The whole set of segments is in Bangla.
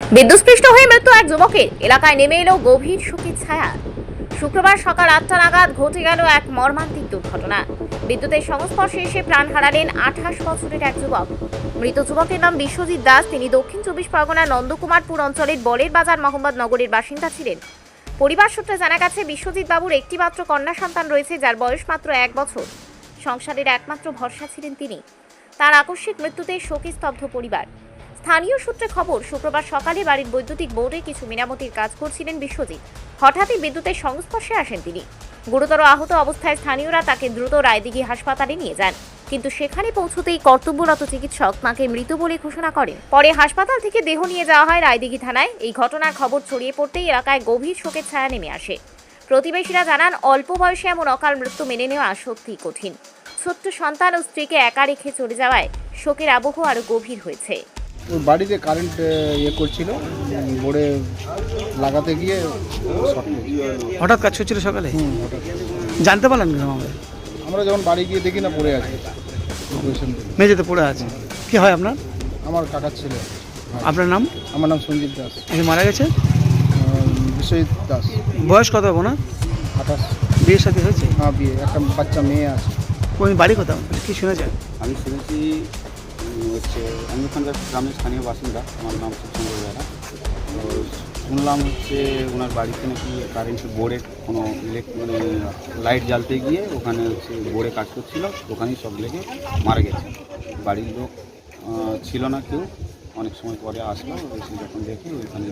বিদ্যুৎস্পৃষ্ট হয়ে মৃত্যু এক যুবকের, এলাকায় নেমে এলো গভীর শোকের ছায়া। শুক্রবার সকাল ৮টা নাগাদ ঘটে গেল এক মর্মান্তিক দুর্ঘটনা। বিদ্যুতের সংস্পর্শে এসে প্রাণ হারালেন ২৮ বছরের এক যুবক। মৃত যুবকের নাম বিশ্বজিৎ দাস। তিনি দক্ষিণ ২৪ পরগনার নন্দকুমারপুর অঞ্চলের বলের বাজার মোহাম্মদনগরের বাসিন্দা ছিলেন। পরিবার সূত্রে জানা গেছে, বিশ্বজিৎ বাবুর একটি মাত্র কন্যা সন্তান রয়েছে, যার বয়স মাত্র ১ বছর। সংসারের একমাত্র ভরসা ছিলেন তিনি। তার আকস্মিক মৃত্যুতে শোকে স্তব্ধ পরিবার। স্থানীয় সূত্রে খবর, শুক্রবার সকালে বাড়ির বৈদ্যুতিক বোর্ডে কিছু মেরামতির কাজ করছিলেন বিশ্বজিৎ। হঠাৎই বিদ্যুতের সংস্পর্শে আসেন তিনি। গুরুতর আহত অবস্থায় স্থানীয়রা তাকে দ্রুত রায়দিঘি হাসপাতালে নিয়ে যান, কিন্তু সেখানে পৌঁছতেই কর্তব্যরত চিকিৎসক তাকে মৃত বলে ঘোষণা করেন। পরে হাসপাতাল থেকে দেহ নিয়ে যাওয়া হয় রায়দিঘি থানায়। এই ঘটনার খবর ছড়িয়ে পড়তেই এলাকায় গভীর শোকের ছায়া নেমে আসে। প্রতিবেশীরা জানান, অল্প বয়সে এমন অকাল মৃত্যু মেনে নেওয়া সত্যিই কঠিন। ছোট্ট সন্তান ও স্ত্রীকে একা রেখে চলে যাওয়ায় শোকের আবহ আরো গভীর হয়েছে। ওর বাড়িতে কারেন্ট করছিল, বোর্ডে লাগাতে গিয়ে হঠাৎ কাজ হচ্ছিল সকালে। হঠাৎ জানতে পারলেন কেন? আমরা যখন বাড়ি গিয়ে দেখি না পড়ে আছে, মেঝেতে পড়ে আছে। কি হয় আপনার? আমার কাকার ছেলে। আপনার নাম? আমার নাম সঞ্জীব দাস। মারা গেছে বিশ্বজিৎ দাস। বয়স কত হবে না? ২৮। বিয়ের সাথে হয়েছে? হ্যাঁ, বিয়ে, একটা বাচ্চা মেয়ে আছে। কোন বাড়ি কোথাও কি শুনেছেন? আমি শুনেছি হচ্ছে, আমি ওখানকার গ্রামের স্থানীয় বাসিন্দা, আমার নাম সুচন্দ্র বেড়া। তো শুনলাম হচ্ছে ওনার বাড়িতে নাকি কারেন্টের বোর্ডে কোনো লাইট জ্বালতে গিয়ে ওখানে হচ্ছে বোর্ডে কাজ করছিল, ওখানেই সব লেগে মারা গেছে। বাড়ির লোক ছিল না কেউ, অনেক সময় পরে আসলো, এসে যখন দেখি ওইখানে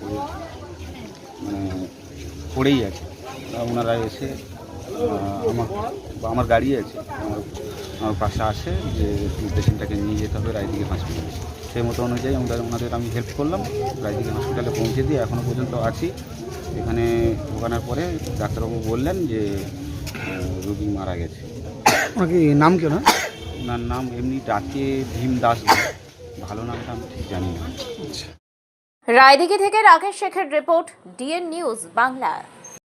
পড়েই আছে। ওনারা এসে আমার গাড়ি আছে, আমার পাশে আসে যে পেশেন্টটাকে নিয়ে যেতে হবে রায়দিঘি হসপিটালে। সেই মতো অনুযায়ী ওনাদের আমি হেল্প করলাম, রায়দিঘি হসপিটালে পৌঁছে দিয়ে এখনও পর্যন্ত আছি। এখানে ঢোকানোর পরে ডাক্তারবাবু বললেন যে রোগী মারা গেছে। ওনার কি নাম কেউ না? ওনার নাম এমনি ডাকে ভীম দাস, ভালো নামটা আমি ঠিক জানি না। রায়দিঘি থেকে রাকেশ শেখের রিপোর্ট, ডিএন নিউজ বাংলা।